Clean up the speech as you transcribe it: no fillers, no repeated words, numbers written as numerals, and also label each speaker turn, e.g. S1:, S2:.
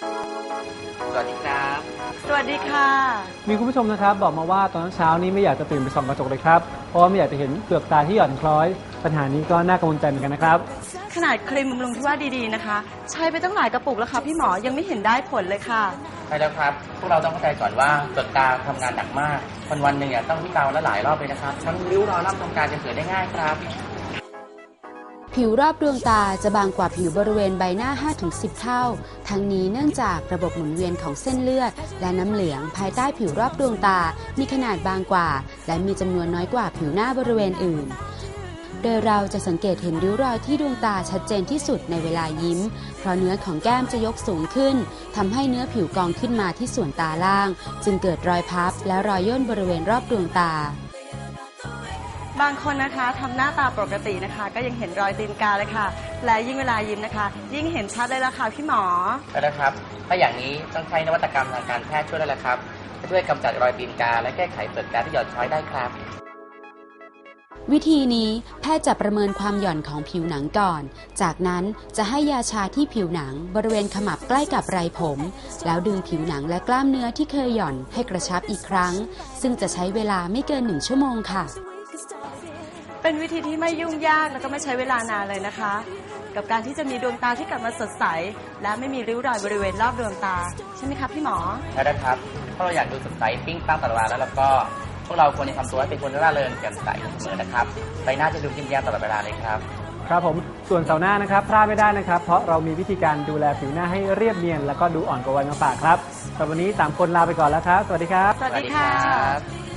S1: สวัสดีครับ
S2: สวัสดีค่ะ
S3: มีคุณผู้ชมนะครับบอกมาว่าตอนเช้านี้ไม่อยากจะตื่นไปส่องกระจกเลยครับเพราะว่าไม่อยากจะเห็นเปลือกตาที่หย่อนคล้อยปัญหานี้ก็น่ากังวลใจเหมือนกันนะครับ
S2: ขนาดครีมบำรุงที่ว่าดีๆนะคะ ใช้ไปตั้งหลายกระปุกแล้วค่ะพี่หมอยังไม่เห็นได้ผลเลยค่ะ
S1: ใช่แล้วครับ พวกเราต้องเข้าใจก่อนว่าเปลือกตาทำงานหนักมาก วันหนึ่งต้องวิจารณ์และหลายรอบเลยนะครับทั้งริ้วรอยล่ำทำการจะเกิดได้ง่ายครับ
S4: ผิวรอบดวงตาจะบางกว่าผิวบริเวณใบหน้า 5-10 เท่า ทั้งนี้เนื่องจากระบบหมุนเวียนของเส้นเลือด และน้ำเหลืองภายใต้ผิวรอบดวงตา มีขนาดบางกว่า และมีจำนวนน้อยกว่าผิวหน้าบริเวณอื่น โดยเราจะสังเกตเห็นริ้วรอยที่ดวงตาชัดเจนที่สุดในเวลายิ้ม เพราะเนื้อของแก้มจะยกสูงขึ้น ทำให้เนื้อผิวกองขึ้นมาที่ส่วนตาล่าง จึงเกิดรอยพับและรอยย่นบริเวณรอบดวงตา
S2: บางคนนะคะทำหน้าตาปกตินะคะ ก็ยังเห็นรอยตีนกาเลยค่ะ และยิ่งเวลายิ้มนะคะ ยิ่งเห็นชัดเลยละค่ะพี่หมอ
S1: ใช่แล้วครับ ถ้าอย่างนี้ต้องใช้นวัตกรรมทางการแพทย์ช่วยแล้วละครับจะช่วยกำจัดรอยตีนกาและแก้ไขเปลือกตาที่หย่อนคล้อยได้ครับ
S4: วิธีนี้แพทย์จะประเมินความหย่อนของผิวหนังก่อน จากนั้นจะให้ยาชาที่ผิวหนังบริเวณขมับใกล้กับไรผม แล้วดึงผิวหนังและกล้ามเนื้อที่เคยหย่อนให้กระชับอีกครั้ง ซึ่งจะใช้เวลาไม่เกิน1 ชั่วโมงค่ะ
S2: เป็นวิธีที่ไม่ยุ่งยากแล้วก็ไม่ใช้เวลานานเลยนะคะ กับการที่จะมีดวงตาที่กลับมาสดใส และไม่มีริ้วรอยบริเวณรอบดวงตาใช่ไหมคะพี่หมอ
S1: ใช่แล้วครับ ถ้าเราอยากดูสดใสปิ้งปังตลอดเวลาแล้วก็พวกเราควรจะทำตัวให้เป็นคนร่าเริงแจ่มใสเสมอนะครับใบหน้าจะดูยิ้มแย้มตลอดเวลาเลยครับ
S3: ครับผมส่วนเสาร์หน้านะครับพลาดไม่ได้นะครับเพราะเรามีวิธีการดูแลผิวหน้าให้เรียบเนียนแล้วก็ดูอ่อนกว่าวัยมาฝากครับสำหรับวันนี้3 คนลาไปก่อนแล้วครับสวัสดีครับ
S2: สวัสดีค่ะ